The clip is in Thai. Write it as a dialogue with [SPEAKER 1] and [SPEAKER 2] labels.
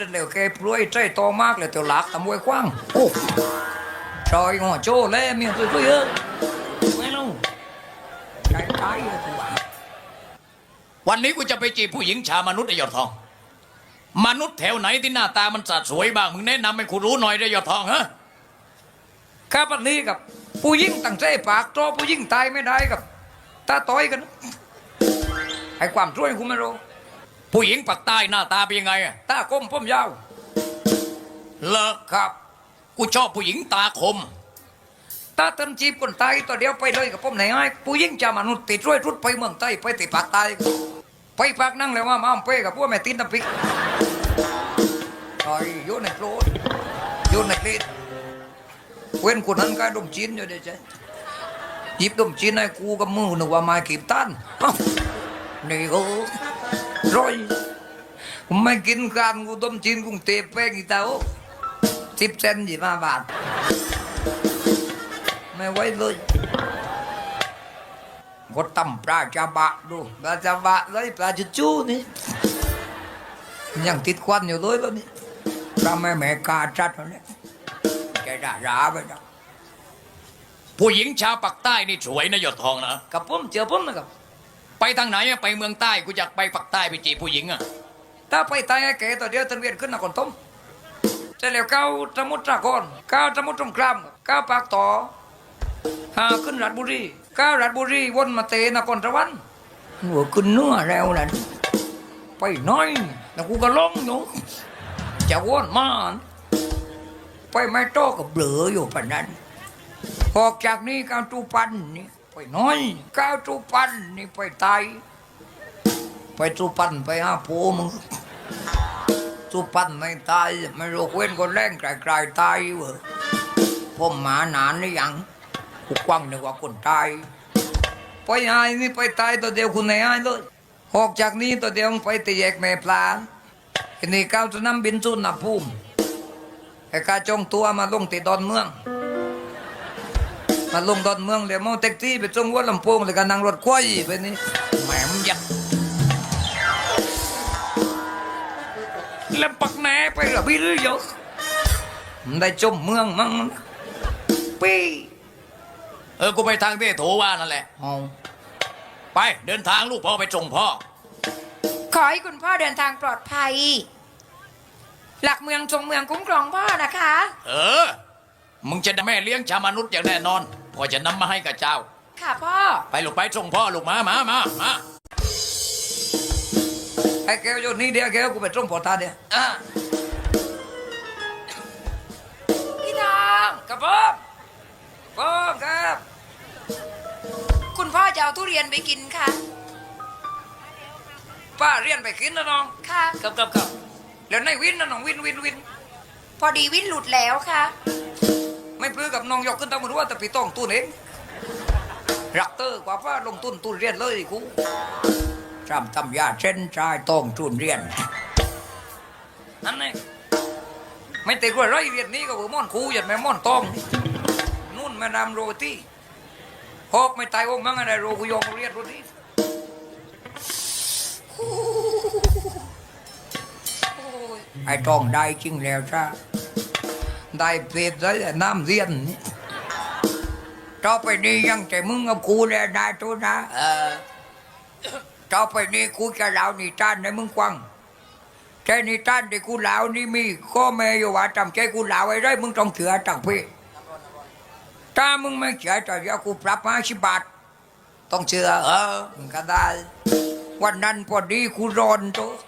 [SPEAKER 1] เร็วแกปลุยใจโตมากเลยเตียวหลักตะมวยกว้างโอ้ชอยงอโจ้เล่เมียตัวเยอะไม่รู้ใจตายเลยตัว
[SPEAKER 2] วันนี้กูจะไปจีบผู้หญิงชามนุษย์ไอ้ยอดทอง มนุษย์แถวไหนที่หน้าตามันสะสวยบ้างมึงแนะนำให้กูรู้หน่อยได้ยอดทองฮะ
[SPEAKER 1] ครับวันนี้กับผู้หญิงตั้งใจปากโตผู้หญิงตายไม่ได้กับตาต้อยกันให้ความช่วยคุณไม่รู้
[SPEAKER 2] ผู้หญิงปากใต้หน้าตาเป็นยังไงอะ
[SPEAKER 1] ตาก้มผมยาว
[SPEAKER 2] เลอะ
[SPEAKER 1] ครับ
[SPEAKER 2] กูชอบผู้หญิงตาคม
[SPEAKER 1] ตาเติมจีบคนตายตัวเดียวไปเลยกับผมไหนไอ้ผู้หญิงจะมนุษย์ติดช่วยรุดไปเมืองใต้ไปติดปากตายไปปากนั่งเลยว่ามาเป้กับพวกแม่ตินน้ำพริกไอ้โยนในโคลนโยนในคลีดเว้นคนนั้นก็ดมจีนอยู่เดี๋ยวจะหยิบดมจีนให้กูกับมือนึกว่าไม้ขีบตันเอ้านี่ก็ร้อยผมไม่กินกันกูดมจีนกูเตะแป้งอีเต้า10 เซน25 บาทไม่ไหวเลยก็ตำปลาจาบะดูปลาจาบะเลยปลาจุจูนี่ยังติดควันอยู่เลยแล้วนี่ปลาแม่กาจัดแล้วเนี่ยใจด่าไปนะ
[SPEAKER 2] ผู้หญิงชาวปากใต้นี่สวยนะยอดทองนะ
[SPEAKER 1] กับผมเจอผมนะครับ
[SPEAKER 2] ไปทางไหนอะไปเมืองใต้กูอยากไปปากใต้ไปจีบผู้หญิงอะ
[SPEAKER 1] ถ้าไปตายไอ้แก่ตัวเดียวตันเวียนขึ้นนครต้มจะแล้วก้าวสมุทรสาครก้าวสมุทรสงครามก้าวปากต่อหาขึ้นราชบุรีก้าวราชบุรีวนมาเตนครสวรรค์หัวขึ้นเนื้อแล้วนั่นไปน้อยแล้วกูก็ร้องอยู่จะวนมาไปไม่โตกับเบลออยู่ปานนั้นออกจากนี้ก้าวจูปันนี่ไปน้อยก้าวจูปันนี่ไปไตายไปจูปันไปหาผัวมึงจูปันไม่ตายไม่รู้เว้นคนแรงไกลๆตายเวอผมหมานานหรือยังกูกว้างนึกว่าคนตายไปหายนี่ไปตายตัวเดียวคุณไหนหายเลยออกจากนี้ตัวเดียวไปตีแยกแม่ปลาทีนี้ก้าวจะนำบินสุนนะภูมิไอ้กาจงตัวมาลงตีดอนเมืองมาลงดอนเมืองเลยมอแท็กซี่ไปจงวัดลำโพงเลยก็นั่งรถควายไปนี่แหมมยัดแล้วปักแหนไปหรือพี่หรือเยอะมันได้จมเมืองมั้งปี
[SPEAKER 2] กูไปทางที่โถว่านั่นแหละ
[SPEAKER 1] เอา
[SPEAKER 2] ไปเดินทางลูกพ่อไปส่งพ่อ
[SPEAKER 3] ขอให้คุณพ่อเดินทางปลอดภัย หลักเมืองจงเมืองคุ้มครองพ่อนะคะ
[SPEAKER 2] มึงจะได้แม่เลี้ยงชาวมนุษย์อย่างแน่นอนพ่อจะนำมาให้กับเจ้า
[SPEAKER 3] ค่ะพ่อ
[SPEAKER 2] ไปลูกไปส่งพ่อลูกมา
[SPEAKER 1] ไอ้แกวอยู่นี่เดียวแกวกูไปจงปอตาเดียว
[SPEAKER 3] พี่ทอง
[SPEAKER 1] ครับผมครับ
[SPEAKER 3] คุณพ่อจะเอาทุเรียนไปกินค่ะ
[SPEAKER 1] ป้าเรียนไปกินนะน้อง
[SPEAKER 3] ค่ะ
[SPEAKER 1] ครับแล้วในวินนะน้องวิน
[SPEAKER 3] พอดีวินหลุดแล้วค่ะ
[SPEAKER 1] ไม่ปลื้อกับน้องยกขึ้นตามมือว่าแต่พี่ต้องตุนเองรักเตอร์กว่าป้าลงทุนเรียนเลยกูจำตำยาเช่นชายต้องทุนเรียนนั่นเองไม่ติดว่าไรเรียนนี้ก็ว่าม่อนคูยันแม่ม่อนตองนู่นแม่นำโรตีหอกไม่ตายวงมั้งอะไรโรกุยองเรียนโรตีไอ้ตองได้จริงแล้วจ้าได้เปรียบได้น้ำเรียนนี่ต่อไปนี้ยังแต่มึงกับกูแล้วได้ตัวนะต่อไปนี้กูจะเล่านิทานให้มึงฟังแค่นิทานที่กูเล่านี่มีข้อแม้อยู่ว่าจำใจกูเล่าไว้ได้มึงต้องเชื่อตั้งพี่ถ้ามึงไม่เชื่อจะเดี๋ยวกูปรับ50 บาทต้องเชื่อมึงก็ได้วันนั้นพอดีกูร้อนตัว